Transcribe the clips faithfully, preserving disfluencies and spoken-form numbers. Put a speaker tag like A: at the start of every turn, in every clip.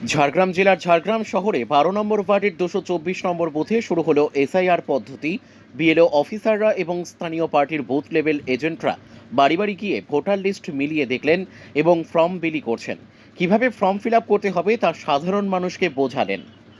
A: ঝাড়গ্রাম জেলার ঝাড়গ্রাম শহরে বারো নম্বর ওয়ার্ডের দুশো চব্বিশ নম্বর বুথে শুরু হলো এসআইআর পদ্ধতি। বিএলও অফিসাররা এবং স্থানীয় পার্টির বুথ লেভেল এজেন্টরা বাড়ি বাড়ি গিয়ে ভোটার লিস্ট মিলিয়ে দেখলেন এবং ফর্ম বিলি করছেন। কিভাবে ফর্ম ফিল আপ করতে হবে তা সাধারণ মানুষকে বোঝালেন।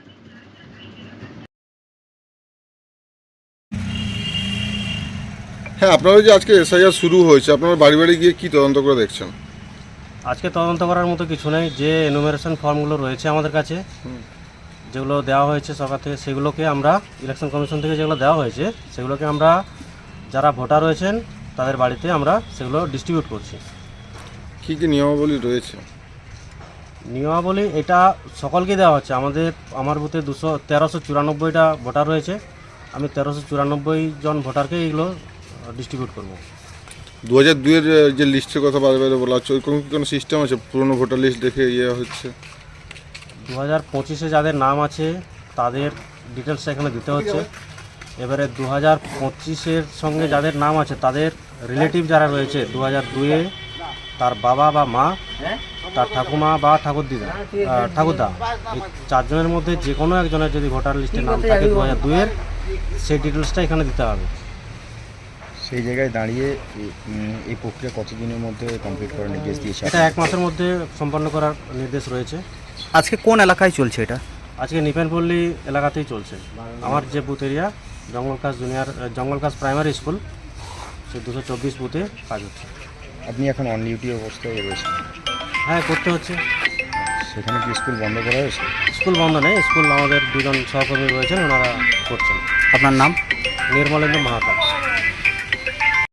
B: হ্যাঁ, আপনারা যে আজকে এসআইআর শুরু হয়েছে, আপনারা বাড়ি বাড়ি গিয়ে কি তদন্ত করে দেখছেন?
C: আজকে তদন্ত করার মতো কিছু নেই। যে এনুমারেশন ফর্মগুলো রয়েছে আমাদের কাছে, যেগুলো দেওয়া হয়েছে সরকার থেকে, সেগুলোকে আমরা ইলেকশন কমিশন থেকে যেগুলো দেওয়া হয়েছে সেগুলোকে আমরা যারা ভোটার রয়েছেন তাদের বাড়িতে আমরা সেগুলো ডিস্ট্রিবিউট করছি।
B: কী কী নিয়মাবলী রয়েছে?
C: নিয়মাবলী এটা সকলকে দেওয়া হচ্ছে। আমাদের আমার বুথে দুশো তেরোশো চুরানব্বইটা ভোটার রয়েছে। আমি তেরোশো চুরানব্বই জন ভোটারকে এগুলো ডিস্ট্রিবিউট করবো।
B: দু হাজার দুইয়ের যে লিস্টের কথা বারে বারে বলা হচ্ছে, ওই কোনো কি কোনো সিস্টেম আছে? পুরনো ভোটার লিস্ট দেখে ইয়ে হচ্ছে?
C: দু হাজার পঁচিশে যাদের নাম আছে তাদের ডিটেলসটা এখানে দিতে হচ্ছে। এবারে দু হাজার পঁচিশের সঙ্গে যাদের নাম আছে তাদের রিলেটিভ যারা রয়েছে দু হাজার দুইয়ে, তার বাবা বা মা, তার ঠাকুমা বা ঠাকুরদিদা ঠাকুরদা, এই চারজনের মধ্যে যে কোনো একজনের যদি ভোটার লিস্টে নাম থাকে দু হাজার দুইয়ের, সেই ডিটেলসটা এখানে দিতে হবে।
D: সেই জায়গায় দাঁড়িয়ে এই প্রক্রিয়া কতদিনের মধ্যে কমপ্লিট করার নির্দেশ দিয়েছে?
C: এটা এক মাসের মধ্যে সম্পন্ন করার নির্দেশ রয়েছে।
E: আজকে কোন এলাকায় চলছে এটা?
C: আজকে নিপেনপল্লী এলাকাতেই চলছে। আমার যে বুথ এরিয়া জঙ্গলকাজ জুনিয়র জঙ্গলকাজ প্রাইমারি স্কুল, সে দুশো চব্বিশ বুথে কাজ হচ্ছে।
D: আপনি এখন অন ডিউটি অবস্থায় রয়েছেন?
C: হ্যাঁ, করতে হচ্ছে।
D: সেখানে কি স্কুল বন্ধ করা হয়েছে?
C: স্কুল বন্ধ নেই, স্কুল আমাদের দুজন সহকর্মী রয়েছেন, ওনারা করছেন।
E: আপনার নাম?
C: নির্মলেন্দ্র মাহাতা।